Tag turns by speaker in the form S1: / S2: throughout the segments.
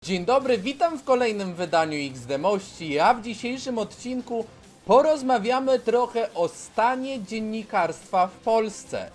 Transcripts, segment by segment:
S1: Dzień dobry, witam w kolejnym wydaniu XD-mości, a w dzisiejszym odcinku porozmawiamy trochę o stanie dziennikarstwa w Polsce.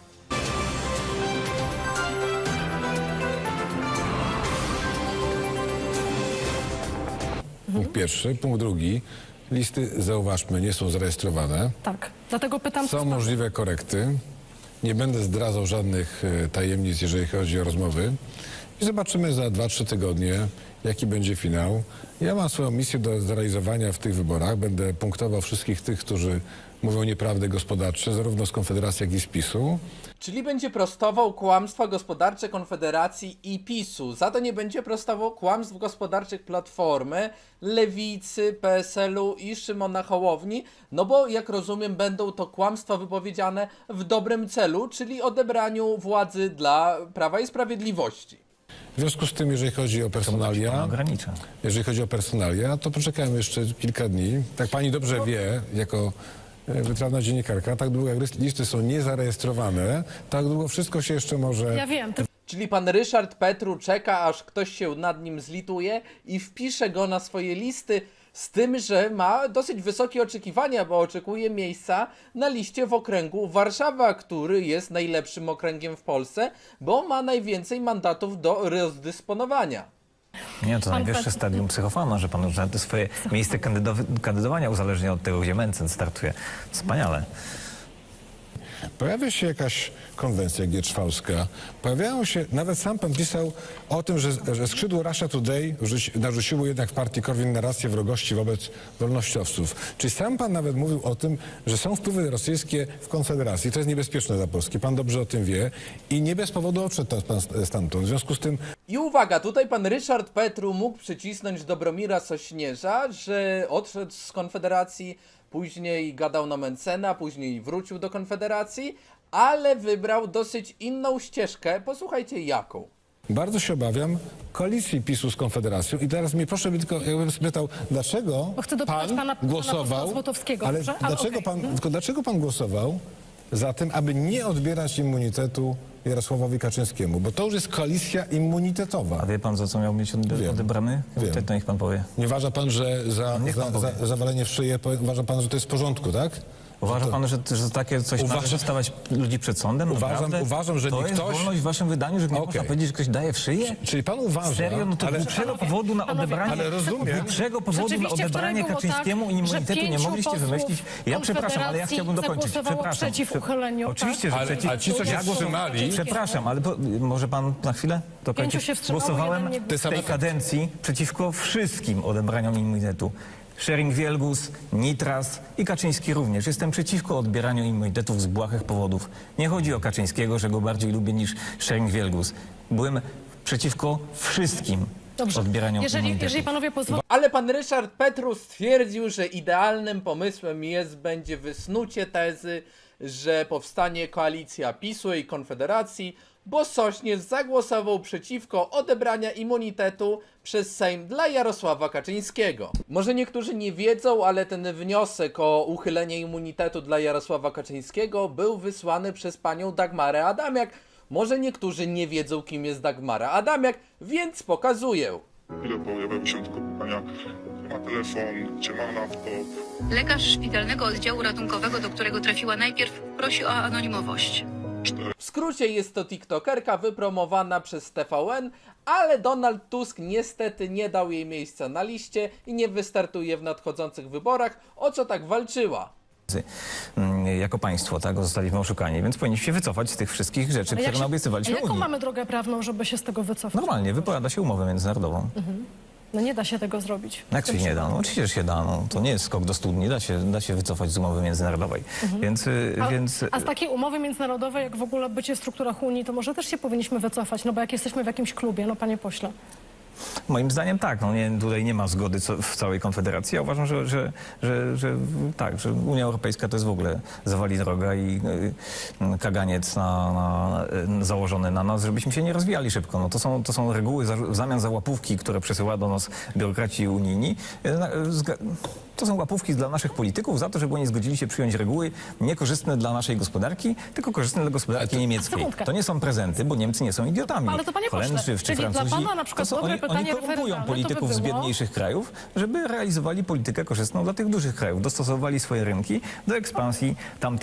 S2: Punkt pierwszy. Punkt drugi. Listy, zauważmy, nie są zarejestrowane.
S3: Tak, dlatego pytam...
S2: Są możliwe korekty. Nie będę zdradzał żadnych tajemnic, jeżeli chodzi o rozmowy. I zobaczymy za 2-3 tygodnie, jaki będzie finał. Ja mam swoją misję do zrealizowania w tych wyborach. Będę punktował wszystkich tych, którzy mówią nieprawdy gospodarcze, zarówno z Konfederacji, jak i z PiS-u.
S1: Czyli będzie prostował kłamstwa gospodarcze Konfederacji i PiS-u. Za to nie będzie prostował kłamstw gospodarczych Platformy, Lewicy, PSL-u i Szymona Hołowni. No bo jak rozumiem, będą to kłamstwa wypowiedziane w dobrym celu, czyli odebraniu władzy dla Prawa i Sprawiedliwości.
S2: W związku z tym, jeżeli chodzi o personalia, to poczekajmy jeszcze kilka dni. Tak pani dobrze wie, jako wytrawna dziennikarka, tak długo jak listy są niezarejestrowane, tak długo wszystko się jeszcze może...
S3: Ja wiem,
S1: Czyli pan Ryszard Petru czeka, aż ktoś się nad nim zlituje i wpisze go na swoje listy, z tym, że ma dosyć wysokie oczekiwania, bo oczekuje miejsca na liście w okręgu Warszawa, który jest najlepszym okręgiem w Polsce, bo ma najwięcej mandatów do rozdysponowania.
S4: Nie, to najwyższe stadium psychofana, że pan już nawet swoje miejsce kandydowania uzależnia od tego, gdzie Mencen startuje. Wspaniale.
S2: Pojawia się jakaś konwencja gierczwałska. Pojawiają się, nawet sam pan pisał o tym, że skrzydło Russia Today narzuciło jednak w partii Korwin narrację wrogości wobec wolnościowców. Czyli sam pan nawet mówił o tym, że są wpływy rosyjskie w Konfederacji. To jest niebezpieczne dla Polski. Pan dobrze o tym wie i nie bez powodu odszedł pan stamtąd. W związku z tym...
S1: I uwaga, tutaj pan Ryszard Petru mógł przycisnąć Dobromira Sośnierza, że odszedł z Konfederacji, później gadał na Mencena, później wrócił do Konfederacji, ale wybrał dosyć inną ścieżkę. Posłuchajcie jaką.
S2: Bardzo się obawiam koalicji PiS-u z Konfederacją i teraz mnie proszę, tylko jakbym spytał, dlaczego
S3: Bo chcę dopytać pana
S2: głosował,
S3: Złotowskiego,
S2: ale
S3: dobrze?
S2: dlaczego,
S3: okej.
S2: tylko dlaczego pan głosował za tym, aby nie odbierać immunitetu Jarosławowi Kaczyńskiemu? Bo to już jest koalicja immunitetowa.
S4: A wie pan, za co miał być odebrany?
S2: Wiem.
S4: To niech pan powie.
S2: Nie uważa pan, że za zawalenie w szyję, uważa pan, że to jest w porządku, tak?
S4: Uważa pan, że takie coś należy stawiać ludzi przed sądem?
S2: Uważam, że
S4: to
S2: ktoś...
S4: jest wolność w waszym wydaniu, że nie można powiedzieć, że ktoś daje w szyję?
S2: Czyli pan uważa...
S4: Serio? No to dlaczego powodu na odebranie...
S2: Ale rozumiem.
S4: Dlaczego powodu na odebranie Kaczyńskiemu immunitetu nie mogliście wymyślić? Ja przepraszam, ale ja chciałbym dokończyć. Przepraszam.
S3: Przeciw uchyleniu,
S4: Oczywiście, że przeciw.
S2: A ci, co się wstrzymali...
S4: Przepraszam, ale może pan na chwilę dokończyć?
S3: 5 się wstrzymało,
S4: Głosowałem
S3: jeden nie
S4: w tej kadencji przeciwko wszystkim odebraniom immunitetu. Schering-Wielgus, Nitras i Kaczyński również. Jestem przeciwko odbieraniu immunitetów z błahych powodów. Nie chodzi o Kaczyńskiego, że go bardziej lubię niż Schering-Wielgus. Byłem przeciwko wszystkim odbieraniom immunitetów.
S3: Jeżeli panowie pozwolą...
S1: Ale pan Ryszard Petru stwierdził, że idealnym pomysłem będzie wysnucie tezy, że powstanie koalicja PiS-u i Konfederacji, bo Sośnierz zagłosował przeciwko odebrania immunitetu przez Sejm dla Jarosława Kaczyńskiego. Może niektórzy nie wiedzą, ale ten wniosek o uchylenie immunitetu dla Jarosława Kaczyńskiego był wysłany przez panią Dagmarę Adamiak. Może niektórzy nie wiedzą, kim jest Dagmara Adamiak, więc pokazuję.
S5: Chwilę pojawiały się tylko pytania, czy ma telefon, czy ma laptop.
S6: Lekarz szpitalnego oddziału ratunkowego, do którego trafiła najpierw, prosi o anonimowość.
S1: W skrócie jest to tiktokerka wypromowana przez TVN, ale Donald Tusk niestety nie dał jej miejsca na liście i nie wystartuje w nadchodzących wyborach, o co tak walczyła.
S4: Jako państwo, tak, zostaliśmy oszukani, więc powinniśmy się wycofać z tych wszystkich rzeczy, które naobiecywaliśmy
S3: Jaką
S4: Unii.
S3: mamy drogę prawną, żeby się z tego wycofać?
S4: Normalnie, wypowiada się umowę międzynarodową.
S3: No nie da się tego zrobić.
S4: Jak się nie da? No oczywiście, że się da. No, to nie jest skok do studni, da się wycofać z umowy międzynarodowej.
S3: A z takiej umowy międzynarodowej, jak w ogóle bycie w strukturach Unii, to może też się powinniśmy wycofać, no bo jak jesteśmy w jakimś klubie, no panie pośle.
S4: Moim zdaniem tak, no tutaj nie ma zgody w całej Konfederacji. Ja uważam, że tak, że Unia Europejska to jest w ogóle zawali droga i kaganiec założony na nas, żebyśmy się nie rozwijali szybko. No to są reguły w zamian za łapówki, które przesyła do nas biurokraci unijni. To są łapówki dla naszych polityków za to, żeby oni zgodzili się przyjąć reguły niekorzystne dla naszej gospodarki, tylko korzystne dla gospodarki niemieckiej.
S3: Sekundkę.
S4: To nie są prezenty, bo Niemcy nie są idiotami.
S3: Ale to panie pośle,
S4: Holendrzy czy
S3: czyli dla
S4: Francuzi,
S3: pana na przykład
S4: to są,
S3: dobre pytanie
S4: Oni korumpują
S3: referendalne,
S4: polityków
S3: to
S4: z
S3: by było-
S4: biedniejszych krajów, żeby realizowali politykę korzystną dla tych dużych krajów. Dostosowali swoje rynki do ekspansji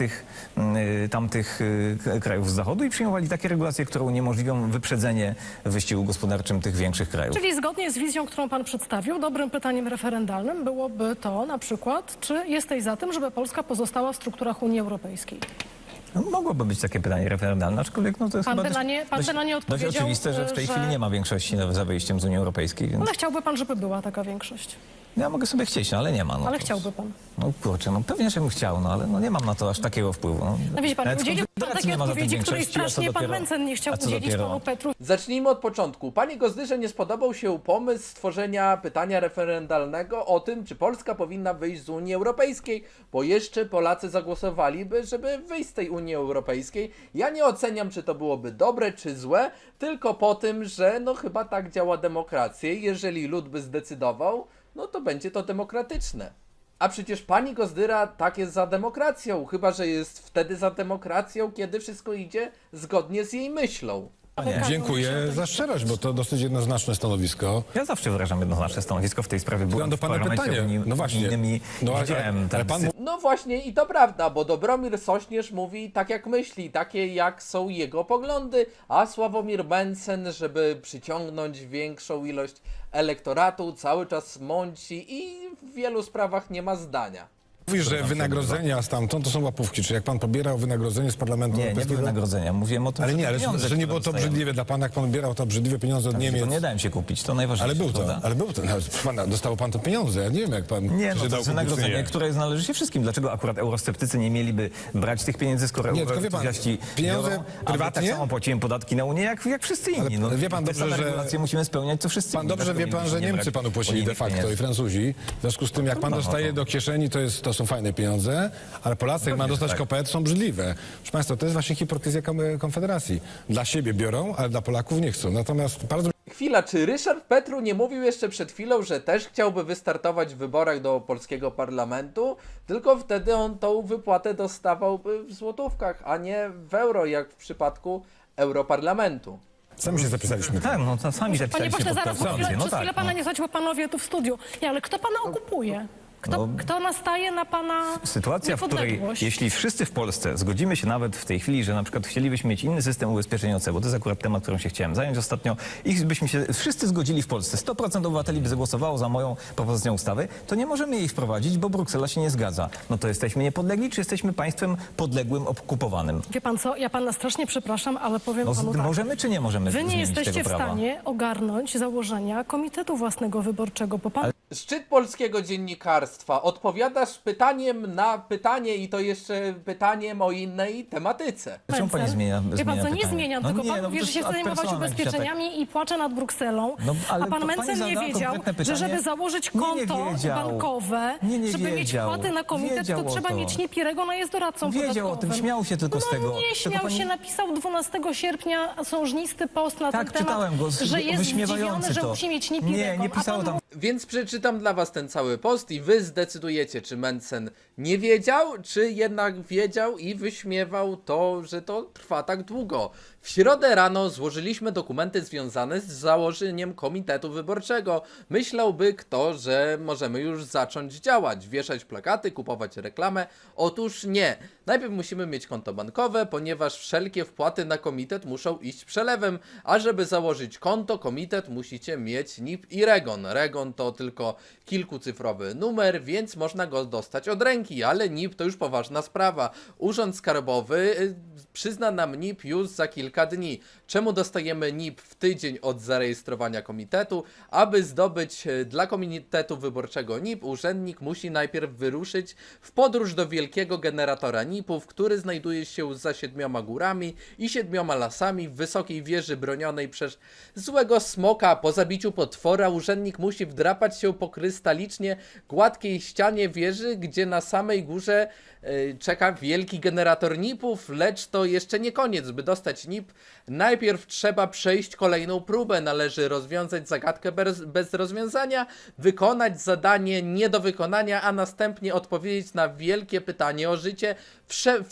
S4: tamtych krajów z zachodu i przyjmowali takie regulacje, które uniemożliwią wyprzedzenie w wyścigu gospodarczym tych większych krajów.
S3: Czyli zgodnie z wizją, którą pan przedstawił, dobrym pytaniem referendalnym byłoby to na przykład, czy jesteś za tym, żeby Polska pozostała w strukturach Unii Europejskiej?
S4: No, mogłoby być takie pytanie referendalne, aczkolwiek no, to jest
S3: Pan
S4: chyba
S3: by na nie- pan by na nie
S4: dość
S3: odpowiedział,
S4: oczywiste, że w tej
S3: że-
S4: chwili nie ma większości za wyjściem z Unii Europejskiej, więc
S3: Ale chciałby pan, żeby była taka większość.
S4: ja mogę sobie chcieć, no, ale nie ma. No,
S3: Ale
S4: to-
S3: chciałby pan.
S4: No kurczę, no pewnie, że bym chciał, no ale no, nie mam na to aż takiego wpływu.
S3: No widzi pan,
S4: Nawet
S3: udzielił pan
S4: Konfederacji
S3: takiej
S4: nie ma za tym
S3: odpowiedzi, której
S4: większości, a co
S3: strasznie pan
S4: dopiero-
S3: Mencen nie chciał
S4: a co
S3: udzielić
S4: dopiero-
S3: panu Petru.
S1: Zacznijmy od początku. Panie Gozdyrze nie spodobał się pomysł stworzenia pytania referendalnego o tym, czy Polska powinna wyjść z Unii Europejskiej, bo jeszcze Polacy zagłosowaliby, żeby wyjść z tej Unii Europejskiej. Ja nie oceniam, czy to byłoby dobre, czy złe, tylko po tym, że no chyba tak działa demokracja. Jeżeli lud by zdecydował, no to będzie to demokratyczne. A przecież pani Gozdyra tak jest za demokracją, chyba że jest wtedy za demokracją, kiedy wszystko idzie zgodnie z jej myślą.
S2: Dziękuję za szczerość, bo to dosyć jednoznaczne stanowisko.
S4: Ja zawsze wyrażam jednoznaczne stanowisko w tej sprawie. Byłem
S2: Mam do
S4: w
S2: pana
S4: parlamencie
S2: pytanie. No właśnie.
S4: unijnym i
S2: No,
S4: widziałem
S2: ale pan
S1: No właśnie i to prawda, bo Dobromir Sośnierz mówi tak jak myśli, takie jak są jego poglądy, a Sławomir Mencen, żeby przyciągnąć większą ilość elektoratu, cały czas mąci i w wielu sprawach nie ma zdania.
S2: mówi, że wynagrodzenia stamtąd to są łapówki. Czy jak pan pobierał wynagrodzenie z Parlamentu
S4: Nie
S2: Europejskiego?
S4: wynagrodzenia. Mówiłem o tym,
S2: Ale nie, ale
S4: pieniądze,
S2: że nie
S4: które
S2: było to
S4: dostajemy.
S2: obrzydliwe dla pana, jak pan odbierał te obrzydliwe pieniądze od Niemiec.
S4: To nie dałem się kupić, to najważniejsze.
S2: Ale był to. Nawet, proszę pana, dostał pan te pieniądze. Ja nie wiem, jak pan
S4: Nie,
S2: się
S4: no to
S2: dał
S4: jest
S2: kupić, czy
S4: wynagrodzenie,
S2: nie.
S4: które należy się wszystkim. Dlaczego akurat eurosceptycy nie mieliby brać tych pieniędzy, skoro
S2: Nie, tylko wie pan,
S4: euroentuzjaści
S2: pieniądze
S4: biorą, a my
S2: prywatnie?
S4: tak samo płacimy podatki na Unię, jak wszyscy inni. No,
S2: wie pan
S4: te
S2: dobrze,
S4: same
S2: że-
S4: regulacje musimy spełniać, co wszyscy
S2: Pan
S4: inni.
S2: dobrze
S4: Dlaczego
S2: wie pan, że
S4: mielibyśmy nie
S2: Niemcy
S4: brać
S2: panu płacili de
S4: unijnych
S2: facto
S4: pieniędzy?
S2: i Francuzi. W związku z tym, jak pan
S4: No,
S2: dostaje
S4: to-
S2: do kieszeni, to są fajne pieniądze, ale Polacy, jak ma dostać
S4: tak.
S2: kopet, są brzydliwe. Proszę państwa, to jest właśnie hipokryzja Konfederacji. Dla siebie biorą, ale dla Polaków nie chcą. Natomiast bardzo
S1: Chwila, czy Ryszard Petru nie mówił jeszcze przed chwilą, że też chciałby wystartować w wyborach do polskiego parlamentu, tylko wtedy on tą wypłatę dostawałby w złotówkach, a nie w euro, jak w przypadku Europarlamentu.
S2: sami się zapisaliśmy.
S4: Tak, no to sami
S3: Panie
S4: zapisaliście
S3: pośle,
S4: pod
S3: zaraz, bo
S4: konstytucję.
S3: przez
S4: No
S3: chwilę
S4: tak,
S3: pana
S4: no.
S3: nie słuchać, bo panowie tu w studiu. Nie, ale kto pana okupuje? Kto nastaje na pana
S4: Sytuacja, w której
S3: niepodległość?
S4: jeśli wszyscy w Polsce zgodzimy się nawet w tej chwili, że na przykład chcielibyśmy mieć inny system ubezpieczeń OC, bo to jest akurat temat, którym się chciałem zająć ostatnio, i byśmy się wszyscy zgodzili w Polsce, 100% obywateli by zagłosowało za moją propozycją ustawy, to nie możemy jej wprowadzić, bo Bruksela się nie zgadza. No to jesteśmy niepodlegli, czy jesteśmy państwem podległym, okupowanym?
S3: Wie pan co, ja pana strasznie przepraszam, ale powiem
S4: No,
S3: panu tak.
S4: możemy czy nie możemy
S3: Wy nie
S4: zmienić
S3: jesteście
S4: tego
S3: w
S4: prawa?
S3: stanie ogarnąć założenia Komitetu Własnego Wyborczego, bo pan
S1: Szczyt polskiego dziennikarstwa. Odpowiadasz pytaniem na pytanie i to jeszcze pytaniem o innej tematyce.
S4: Dlaczego pani zmienia
S3: Wie pan co, nie
S4: pytanie?
S3: zmieniam,
S4: No
S3: tylko
S4: nie,
S3: pan
S4: no
S3: mówi,
S4: to
S3: że się
S4: jest
S3: chce zajmować
S4: personalna jakiś
S3: ubezpieczeniami i płacze nad Brukselą,
S4: No, ale
S3: a pan
S4: to pani
S3: Mencen nie
S4: zadała
S3: wiedział,
S4: konkretne
S3: że
S4: pytanie.
S3: żeby założyć
S4: Nie
S3: konto
S4: wiedział.
S3: bankowe,
S4: Nie
S3: żeby mieć
S4: wiedział.
S3: wpłaty na komitet,
S4: Wiedział
S3: to
S4: o
S3: trzeba
S4: to.
S3: mieć Niepirego, no jest doradcą
S4: Wiedział o
S3: podatkowym.
S4: tym, śmiał się tylko z tego.
S3: No nie
S4: Tylko
S3: śmiał
S4: pani-
S3: się, napisał 12 sierpnia sążnisty post na
S4: Tak,
S3: ten temat,
S4: czytałem go,
S3: że jest
S4: wyśmiewający
S3: zdziwiony, że
S4: to.
S3: musi mieć
S4: Nie,
S3: Niepirego.
S4: nie pisało tam.
S1: Więc przeczytam dla was ten cały post i wy zdecydujecie, czy Mencen nie wiedział, czy jednak wiedział i wyśmiewał to, że to trwa tak długo. W środę rano złożyliśmy dokumenty związane z założeniem komitetu wyborczego. Myślałby kto, że możemy już zacząć działać, wieszać plakaty, kupować reklamę. Otóż nie. Najpierw musimy mieć konto bankowe, ponieważ wszelkie wpłaty na komitet muszą iść przelewem, a żeby założyć konto, komitet musicie mieć NIP i REGON. REGON to tylko kilkucyfrowy numer, więc można go dostać od ręki, ale NIP to już poważna sprawa. Urząd Skarbowy przyzna nam NIP już za kilka dni. Czemu dostajemy NIP w tydzień od zarejestrowania komitetu? Aby zdobyć dla komitetu wyborczego NIP, urzędnik musi najpierw wyruszyć w podróż do wielkiego generatora NIP-ów, który znajduje się za 7 górami i 7 lasami w wysokiej wieży bronionej przez złego smoka. Po zabiciu potwora urzędnik musi wdrapać się po krystalicznie gładkiej ścianie wieży, gdzie na samej górze czeka wielki generator NIP-ów, lecz to jeszcze nie koniec. By dostać NIP, najpierw trzeba przejść kolejną próbę. Należy rozwiązać zagadkę bez rozwiązania, wykonać zadanie nie do wykonania, a następnie odpowiedzieć na wielkie pytanie o życie,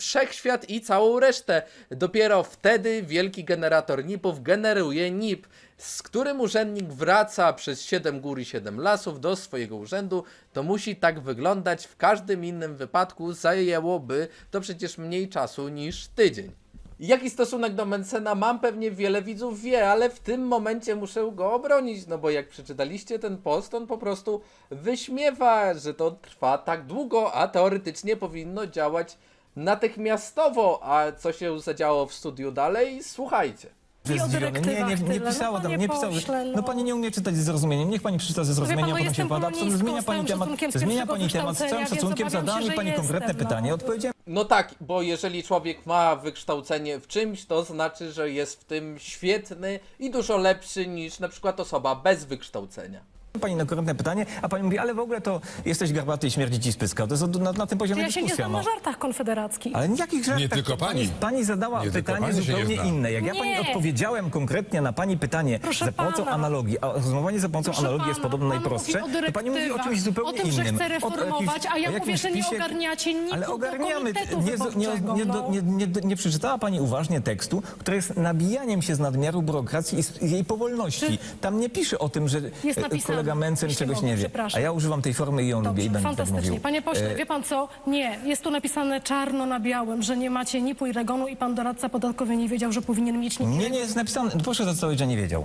S1: wszechświat i całą resztę. Dopiero wtedy wielki generator NIP-ów generuje NIP. z którym urzędnik wraca przez 7 gór i 7 lasów do swojego urzędu, to musi tak wyglądać. W każdym innym wypadku zajęłoby to przecież mniej czasu niż tydzień. Jaki stosunek do Mentzena mam? Pewnie wiele widzów wie, ale w tym momencie muszę go obronić, no bo jak przeczytaliście ten post, on po prostu wyśmiewa, że to trwa tak długo, a teoretycznie powinno działać natychmiastowo. A co się zadziało w studiu dalej? Słuchajcie.
S3: I o
S4: Zdziwiony.
S3: dyrektywach
S4: Nie
S3: tyle.
S4: pisało
S3: No,
S4: tam,
S3: panie
S4: nie pisało.
S3: pośle,
S4: No pani nie umie czytać ze zrozumieniem. Niech pani przeczyta ze zrozumieniem,
S3: pan,
S4: a potem się
S3: jestem
S4: wypowiada.
S3: polonistką,
S4: Zmienia
S3: z
S4: pani
S3: całym
S4: temat,
S3: szacunkiem z
S4: zmienia
S3: pierwszego
S4: pani temat, z całym
S3: wykształcenia,
S4: szacunkiem
S3: więc obawiam
S4: zadała
S3: się,
S4: mi pani
S3: że
S4: konkretne
S3: jestem,
S4: pytanie.
S3: no.
S4: Odpowiedziałem
S1: No tak, bo jeżeli człowiek ma wykształcenie w czymś, to znaczy, że jest w tym świetny i dużo lepszy niż na przykład osoba bez wykształcenia.
S4: pani na konkretne pytanie, a pani mówi, ale w ogóle to jesteś garbaty i śmierdzi ci spyska. To jest na tym poziomie
S3: Ja się nie
S4: dyskusja.
S3: znam na żartach konfederackich.
S4: Ale jakich żartach?
S2: Nie tylko pani.
S4: Pani zadała
S2: Nie tylko
S4: pytanie
S2: pani się nie
S4: zupełnie
S2: zna.
S4: inne. Jak ja pani
S3: Nie.
S4: odpowiedziałem konkretnie na pani pytanie
S3: Proszę
S4: za pomocą
S3: pana.
S4: analogii, a rozumowanie za pomocą
S3: Proszę
S4: analogii jest
S3: pana,
S4: podobno
S3: pan
S4: najprostsze,
S3: mówi o
S4: to pani mówi o czymś zupełnie
S3: o tym, że
S4: innym.
S3: chce reformować, a ja
S4: o
S3: mówię,
S4: jakimś
S3: że nie
S4: wpisie-
S3: ogarniacie nic
S4: Ale
S3: do
S4: ogarniamy.
S3: komitetu
S4: Nie,
S3: wyborczego, no.
S4: nie przeczytała pani uważnie tekstu, który jest nabijaniem się z nadmiaru biurokracji i z jej powolności. Tam nie pisze o tym, że
S3: Jest napisane,
S4: kolega Mencen
S3: jeśli
S4: czegoś
S3: mogę,
S4: nie wie.
S3: przepraszam.
S4: A ja używam tej formy i ją lubię i
S3: Dobrze,
S4: będę tak
S3: fantastycznie.
S4: mówił.
S3: Panie pośle, wie pan co? Nie, jest tu napisane czarno na białym, że nie macie NIP-u i REGON-u i pan doradca podatkowy nie wiedział, że powinien mieć NIP.
S4: Nie jest napisane. Proszę zastosować, że nie wiedział.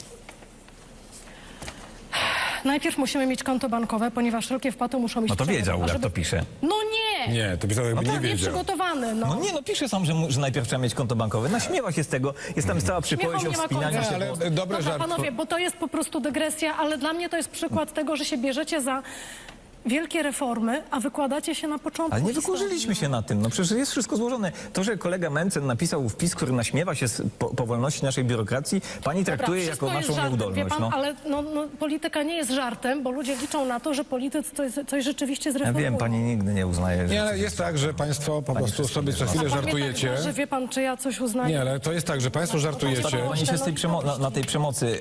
S3: Najpierw musimy mieć konto bankowe, ponieważ wszelkie wpłaty muszą mieć
S4: No to
S3: przelew,
S4: wiedział,
S3: a
S4: jak
S3: żeby-
S4: to pisze.
S3: No nie!
S2: Nie, to pisał jakby nie wiedział.
S3: Nieprzygotowany, no.
S4: No nie, no pisze sam, że najpierw trzeba mieć konto bankowe. Naśmiewa się z tego. Jest tam cała przypowieść
S3: Śmiechom
S4: o
S3: nie ma
S4: wspinaniu
S3: końca.
S4: się.
S2: Ale
S4: po-
S2: dobre
S3: Dobra,
S2: żarty.
S3: panowie, bo to jest po prostu dygresja, ale dla mnie to jest przykład tego, że się bierzecie za wielkie reformy, a wykładacie się na początku
S4: Ale nie
S3: historii.
S4: wykurzyliśmy się na tym. No przecież jest wszystko złożone. To, że kolega Mencen napisał wpis, który naśmiewa się z powolności naszej biurokracji, pani traktuje
S3: wszystko
S4: jako
S3: jest
S4: naszą
S3: żartem,
S4: nieudolność.
S3: Wie pan,
S4: No.
S3: ale polityka nie jest żartem, bo ludzie liczą na to, że politycy coś rzeczywiście
S4: Ja
S3: zreformują.
S4: wiem, pani nigdy nie uznaje, że...
S2: Nie, ale jest tak, że państwo po prostu
S4: wszystko
S2: sobie
S4: wie.
S2: co chwilę
S3: A pan mnie
S2: żartujecie.
S3: Tak, że wie pan, czy ja coś uznaję?
S2: Nie, ale to jest tak, że państwo żartujecie.
S4: Pani się z tej na tej przemocy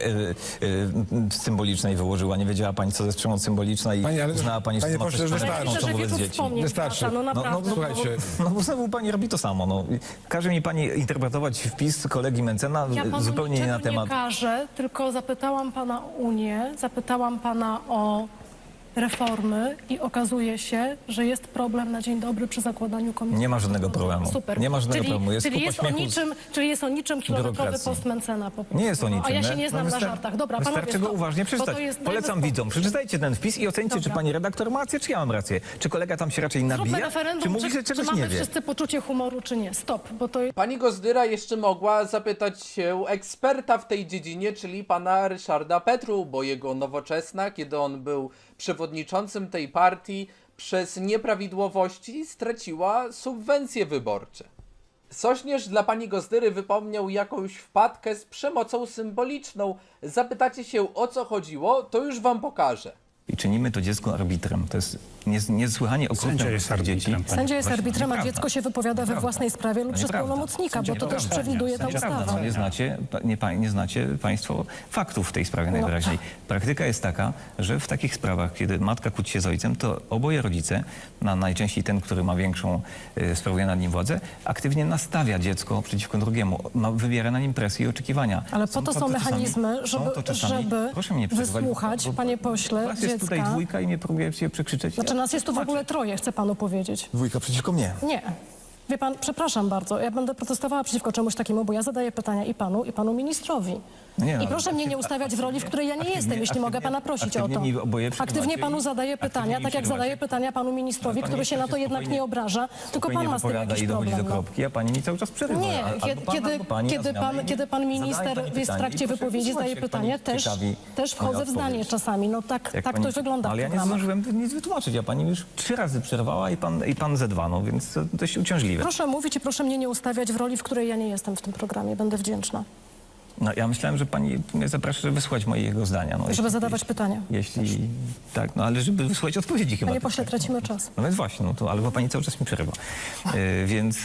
S4: symbolicznej wyłożyła. Nie wiedziała pani, co to jest przemoc symboliczna i
S2: Pani, ale-
S4: uznała pani, że
S2: panie
S4: to ma
S2: pośle,
S4: też
S2: wystarczy.
S3: Myślę, że
S4: wobec
S3: wielu
S4: dzieci.
S3: wspomnień
S2: Wystarczy.
S3: wraca, no naprawdę.
S2: Słuchajcie,
S4: No bo znowu pani robi to samo. No. Każe mi pani interpretować wpis kolegi Mencena
S3: Ja panu
S4: zupełnie nie na
S3: niczego
S4: temat.
S3: nie każę, tylko zapytałam pana o Unię, zapytałam pana o reformy i okazuje się, że jest problem na dzień dobry przy zakładaniu komisji.
S4: Nie ma żadnego problemu.
S3: Super.
S4: Nie ma żadnego
S3: czyli,
S4: problemu. Jest
S3: czyli,
S4: kupa
S3: jest o
S4: śmiechu z
S3: niczym, czyli jest o niczym kilometrowy
S4: biurokracji.
S3: post Mencena po prostu.
S4: Nie jest o niczym.
S3: A ja się
S4: nie?
S3: nie znam na żartach. Dobra, panowie,
S4: wystarczy go
S3: stop.
S4: uważnie
S3: Bo
S4: przeczytać.
S3: to jest
S4: Polecam
S3: dajmy
S4: widzom.
S3: spokój.
S4: Przeczytajcie ten wpis i ocencie, czy
S3: Dobra.
S4: pani redaktor ma rację, czy ja mam rację. Czy kolega tam się raczej
S3: Zróbmy
S4: nabija,
S3: referendum,
S4: czy mówi, że
S3: czy
S4: czegoś
S3: mamy
S4: nie wie.
S3: wszyscy poczucie humoru, czy nie. Stop, bo to
S1: Pani Gozdyra jeszcze mogła zapytać się eksperta w tej dziedzinie, czyli pana Ryszarda Petru, bo jego Nowoczesna, kiedy on był przewodniczącym tej partii, przez nieprawidłowości straciła subwencje wyborcze. Sośnierz dla pani Gozdyry wypomniał jakąś wpadkę z przemocą symboliczną. Zapytacie się, o co chodziło, to już wam pokażę.
S4: I czynimy to dziecko arbitrem. To jest niesłychanie okrutne
S7: Sędzia
S4: wobec
S7: jest arbitrem,
S4: dzieci.
S7: pani.
S3: sędzia jest
S4: Właśnie,
S3: arbitrem, a
S4: nieprawda.
S3: dziecko się wypowiada we
S4: Nieprawda.
S3: własnej sprawie lub przez
S4: Nieprawda.
S3: pełnomocnika, bo to
S4: Nieprawda.
S3: też przewiduje ta
S4: Nieprawda.
S3: ustawa.
S4: Nie znacie państwo faktów w tej sprawie najwyraźniej. Praktyka jest taka, że w takich sprawach, kiedy matka kłóci się z ojcem, to oboje rodzice, najczęściej ten, który ma większą, sprawuje nad nim władzę, aktywnie nastawia dziecko przeciwko drugiemu. Wywiera na nim presję i oczekiwania.
S3: Ale po to są mechanizmy, żeby
S4: Proszę mnie przerwać,
S3: wysłuchać,
S4: bo
S3: panie pośle,
S4: was jest tutaj
S3: dziecka.
S4: dwójka i mnie próbujecie przekrzyczeć.
S3: Znaczy nas jest tu w ogóle troje, chcę panu powiedzieć.
S4: Dwójka przeciwko mnie.
S3: Nie. Wie pan, przepraszam bardzo, ja będę protestowała przeciwko czemuś takiemu, bo ja zadaję pytania i panu ministrowi.
S4: Nie, no,
S3: I proszę mnie nie ustawiać w roli, w której ja nie jestem, jeśli mogę pana prosić o to.
S4: aktywnie mi oboje
S3: Aktywnie
S4: przerywacie
S3: panu
S4: i-
S3: zadaję
S4: aktywnie
S3: pytania,
S4: mi
S3: tak jak
S4: przerywacie.
S3: zadaję pytania panu ministrowi,
S4: Pani
S3: który się na to jednak
S4: spokojnie-
S3: nie obraża, tylko
S4: Spokojnie
S3: pan ma z tym
S4: wypowiada
S3: jakiś
S4: i dochodzi
S3: problem.
S4: do
S3: No.
S4: kropki, a pani mi cały czas przerywa.
S3: Nie,
S4: Albo
S3: kiedy,
S4: pan, albo pani
S3: kiedy,
S4: na zmianę
S3: kiedy pan
S4: i
S3: minister
S4: zadaje pani
S3: jest w
S4: pytanie
S3: trakcie
S4: i proszę
S3: wypowiedzi,
S4: wysłuchać,
S3: zadaje
S4: jak
S3: pytanie,
S4: pani ciekawi
S3: też
S4: moja
S3: wchodzę w zdanie
S4: odpowiedź.
S3: czasami. No tak
S4: Jak
S3: to
S4: pani-
S3: wygląda w
S4: Ale ja nie
S3: programach.
S4: zdążyłem nic wytłumaczyć, a pani już 3 razy przerwała i pan ze 2, no więc to dość uciążliwe.
S3: Proszę mówić i proszę mnie nie ustawiać w roli, w której ja nie jestem w tym programie. Będę wdzięczna.
S4: No, ja myślałem, że pani mnie zaprasza, żeby wysłuchać mojego zdania. No,
S3: Żeby zadawać pytania.
S4: Jeśli tak, no ale żeby wysłuchać odpowiedzi chyba.
S3: Panie
S4: też,
S3: pośle,
S4: tak?
S3: tracimy czas.
S4: No więc właśnie, no to albo pani cały czas mi przerywa. Więc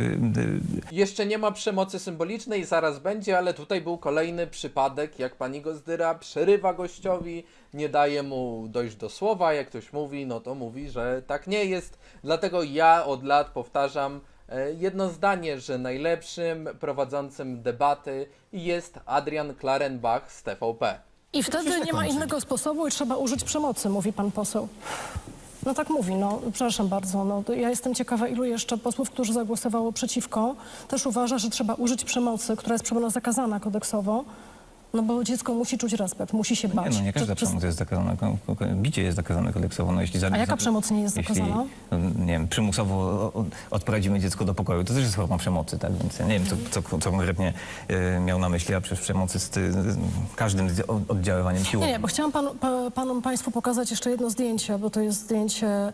S1: Jeszcze nie ma przemocy symbolicznej, zaraz będzie, ale tutaj był kolejny przypadek, jak pani Gozdyra przerywa gościowi, nie daje mu dojść do słowa, jak ktoś mówi, no to mówi, że tak nie jest. Dlatego ja od lat powtarzam, jedno zdanie, że najlepszym prowadzącym debaty jest Adrian Klarenbach z TVP.
S3: I wtedy nie ma innego sposobu i trzeba użyć przemocy, mówi pan poseł. No tak mówi, no przepraszam bardzo. No, ja jestem ciekawa, ilu jeszcze posłów, którzy zagłosowało przeciwko, też uważa, że trzeba użyć przemocy, która jest przemoc zakazana kodeksowo, no bo dziecko musi czuć respekt, musi się bać.
S4: Nie, no nie każda przemoc jest zakazana. Bicie jest zakazane kodeksowo. No, jeśli
S3: A jaka przemoc nie jest zakazana?
S4: Jeśli, nie wiem, przymusowo odprowadzimy dziecko do pokoju, to też jest forma przemocy, tak? Więc ja nie wiem, co konkretnie miał na myśli, a przecież przemoc jest każdym oddziaływaniem siłowym.
S3: Nie, bo chciałam Państwu pokazać jeszcze jedno zdjęcie, bo to jest zdjęcie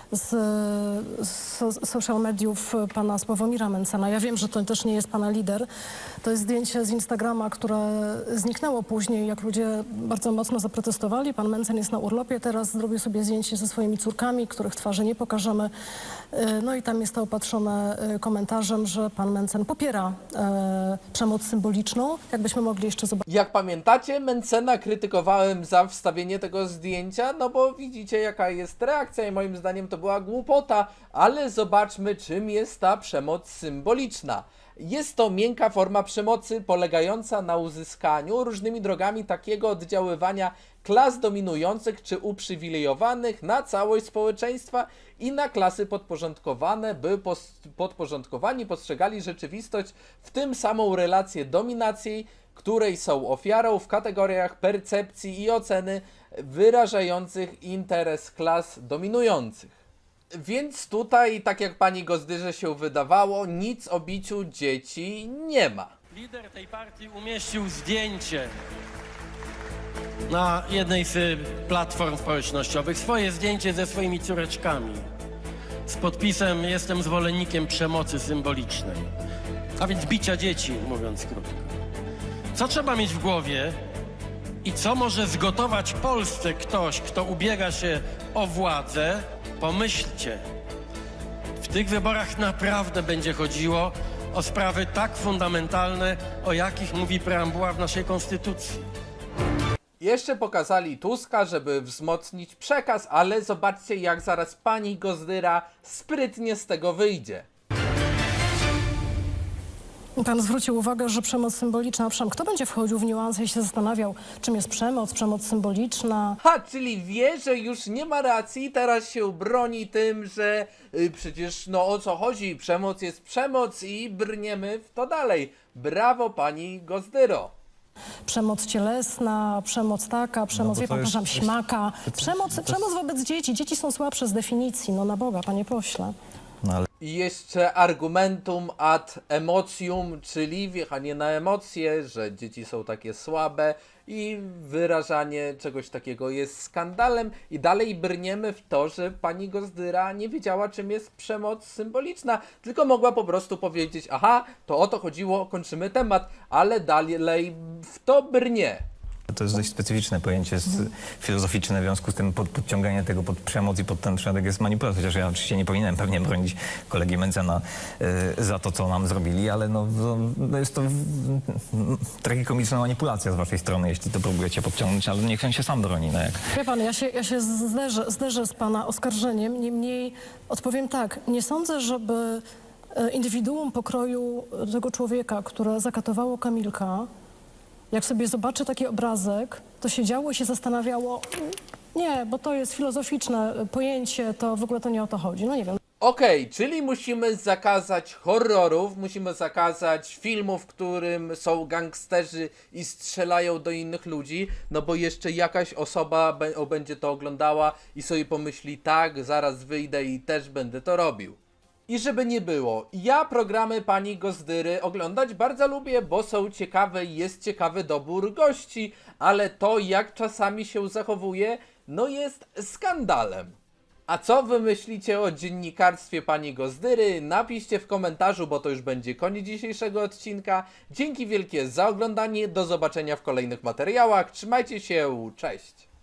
S3: z social mediów pana Sławomira Mentzena. Ja wiem, że to też nie jest pana lider. To jest zdjęcie z Instagrama, które zniknęło później, jak ludzie bardzo mocno zaprotestowali. Pan Mentzen jest na urlopie teraz, zrobił sobie zdjęcie ze swoimi córkami, których twarzy nie pokażemy. No i tam jest to opatrzone komentarzem, że pan Mentzen popiera przemoc symboliczną. Jakbyśmy mogli jeszcze zobaczyć.
S1: Jak pamiętacie, Mentzena krytykowałem za wstawienie tego zdjęcia, no bo widzicie jaka jest reakcja i moim zdaniem to była głupota, ale zobaczmy, czym jest ta przemoc symboliczna. Jest to miękka forma przemocy polegająca na uzyskaniu różnymi drogami takiego oddziaływania klas dominujących czy uprzywilejowanych na całość społeczeństwa i na klasy podporządkowane, by podporządkowani postrzegali rzeczywistość w tym samą relację dominacji, której są ofiarą w kategoriach percepcji i oceny wyrażających interes klas dominujących. Więc tutaj, tak jak pani Gozdyrze się wydawało, nic o biciu dzieci nie ma.
S7: Lider tej partii umieścił zdjęcie na jednej z platform społecznościowych, swoje zdjęcie ze swoimi córeczkami z podpisem "Jestem zwolennikiem przemocy symbolicznej", a więc bicia dzieci, mówiąc krótko. Co trzeba mieć w głowie i co może zgotować Polsce ktoś, kto ubiega się o władzę? Pomyślcie, w tych wyborach naprawdę będzie chodziło o sprawy tak fundamentalne, o jakich mówi preambuła w naszej konstytucji.
S1: Jeszcze pokazali Tuska, żeby wzmocnić przekaz, ale zobaczcie, jak zaraz pani Gozdyra sprytnie z tego wyjdzie.
S3: Pan zwrócił uwagę, że przemoc symboliczna, owszem, kto będzie wchodził w niuanse i się zastanawiał, czym jest przemoc symboliczna?
S1: Ha, czyli wie, że już nie ma racji, teraz się broni tym, że przecież no o co chodzi, przemoc jest przemoc i brniemy w to dalej. Brawo pani Gozdyro.
S3: Przemoc cielesna, przemoc taka, przemoc,
S4: bo
S3: wie
S4: to
S3: pan,
S4: jest-
S3: przepraszam, śmaka. Przemoc wobec dzieci. Dzieci są słabsze z definicji, no na Boga, panie pośle.
S4: No, ale
S1: I jeszcze argumentum ad emocjum, czyli wjechanie na emocje, że dzieci są takie słabe i wyrażanie czegoś takiego jest skandalem i dalej brniemy w to, że pani Gozdyra nie wiedziała, czym jest przemoc symboliczna, tylko mogła po prostu powiedzieć: aha, to o to chodziło, kończymy temat, ale dalej w to brnie.
S4: to jest dość specyficzne pojęcie filozoficzne, w związku z tym podciąganie tego pod przemoc i pod ten przypadek jest manipulacją. Chociaż ja oczywiście nie powinienem pewnie bronić kolegi Mentzena za to, co nam zrobili, ale no jest to tragikomiczna manipulacja z waszej strony, jeśli to próbujecie podciągnąć, ale niech on się sam broni. No jak.
S3: Wie pan, ja się zderzę z pana oskarżeniem, niemniej odpowiem tak, nie sądzę, żeby indywiduum pokroju tego człowieka, które zakatowało Kamilka, jak sobie zobaczy taki obrazek, to siedziało i się zastanawiało, nie, bo to jest filozoficzne pojęcie, to w ogóle to nie o to chodzi, no nie wiem.
S1: Okej, czyli musimy zakazać horrorów, musimy zakazać filmów, w którym są gangsterzy i strzelają do innych ludzi, no bo jeszcze jakaś osoba będzie to oglądała i sobie pomyśli: tak, zaraz wyjdę i też będę to robił. I żeby nie było, ja programy pani Gozdyry oglądać bardzo lubię, bo są ciekawe i jest ciekawy dobór gości, ale to, jak czasami się zachowuje, no jest skandalem. A co wy myślicie o dziennikarstwie pani Gozdyry? Napiszcie w komentarzu, bo to już będzie koniec dzisiejszego odcinka. Dzięki wielkie za oglądanie, do zobaczenia w kolejnych materiałach, trzymajcie się, cześć!